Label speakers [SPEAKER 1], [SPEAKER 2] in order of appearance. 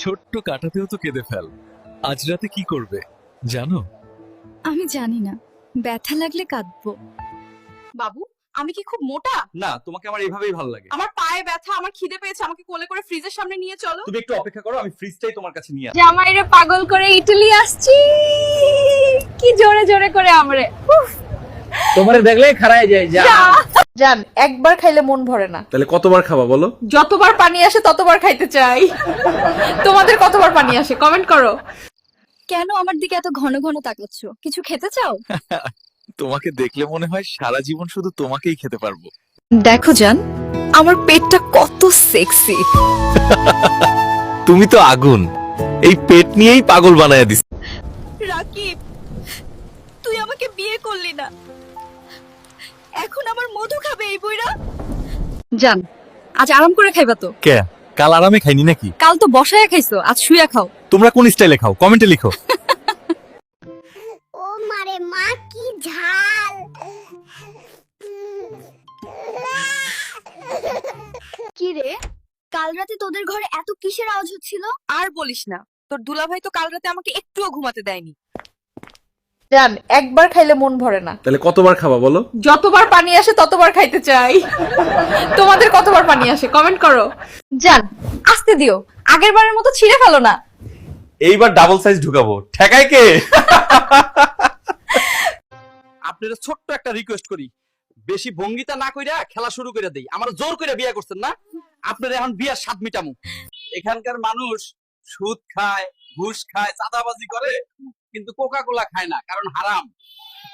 [SPEAKER 1] ছোট্ট কাটাতেও তো কেঁদে ফেল। আজ রাতে কি করবে জানো?
[SPEAKER 2] আমি জানি না, ব্যথা লাগলে কাঁদবো।
[SPEAKER 3] বাবু, আমি কি খুব মোটা?
[SPEAKER 1] না, তোমাকে আমার এইভাবেই ভালো লাগে।
[SPEAKER 3] আমার পায়ে ব্যথা, আমার খিদে পেয়েছে, আমাকে কোলে করে ফ্রিজের সামনে নিয়ে চলো।
[SPEAKER 1] তুমি একটু অপেক্ষা করো, আমি ফ্রিজটাই তোমার কাছে নিয়ে আসি।
[SPEAKER 3] জামাইরে পাগল করে ইটালি আসছি, কি জোরে জোরে করে আমরে।
[SPEAKER 4] তোমারে দেখলে খারায় যায় যা।
[SPEAKER 3] জান, একবার খাইলে মন ভরে না,
[SPEAKER 1] তাহলে কতবার খাবা বলো?
[SPEAKER 3] যতবার পানি আসে ততবার খাইতে চাই। তোমাদের কতবার পানি আসে কমেন্ট করো।
[SPEAKER 2] কেন আমার দিকে এত ঘন ঘন তাকাচ্ছ? কিছু খেতে চাও?
[SPEAKER 1] তোমাকে দেখলে মনে হয় সারা জীবন শুধু তোমাকেই খেতে পারবো।
[SPEAKER 2] দেখো জান, আমার পেটটা কত সেক্সি।
[SPEAKER 1] তুমি তো আগুন, এই পেট নিয়েই পাগল বানায় দিস।
[SPEAKER 2] রাকিব, তুই আমাকে বিয়ে করলি না, এখন আমার মধু খাবে এই বুইরা। জান, আজ আরাম করে খাইবা তো?
[SPEAKER 1] কে? কাল আরামে খাইনি নাকি?
[SPEAKER 2] কাল তো বসায় খাইছো, আজ শুয়ে খাও।
[SPEAKER 1] তোমরা কোন স্টাইলে খাও কমেন্টে লিখো।
[SPEAKER 5] ও মারে মা কি ঝাল।
[SPEAKER 2] কি রে, কাল রাতে তোদের ঘরে এত কিসের আওয়াজ হচ্ছিল?
[SPEAKER 3] আর বলিস না, তোর দুলাভাই তো কাল রাতে আমাকে একটুও ঘুমাতে দেয়নি। জান, একবার খাইলে মন ভরে না,
[SPEAKER 1] তাহলে কতবার খাবা বলো?
[SPEAKER 3] যতবার পানি আসে ততবার খাইতে চাই। তোমাদের কতবার পানি আসে কমেন্ট করো। জান, আস্তে দিও, আগের বারের মতো ছিঁড়ে ফেলো না।
[SPEAKER 1] এইবার ডাবল সাইজ ঢুকাবো, ঠেকায় কে?
[SPEAKER 4] আপনারা ছোট্ট একটা রিকোয়েস্ট করি, বেশি ভঙ্গিতা না কইরা খেলা শুরু করে দেই। আমার জোর করে বিয়ে করছেন না, আপনারা এখন বিয়ার স্বাদ মিটামু। এখানকার মানুষ সুদ খায়, ঘুষ খায়, চাঁদাবাজি করে, কিন্তু কোকা কোলা খায় না, কারণ হারাম।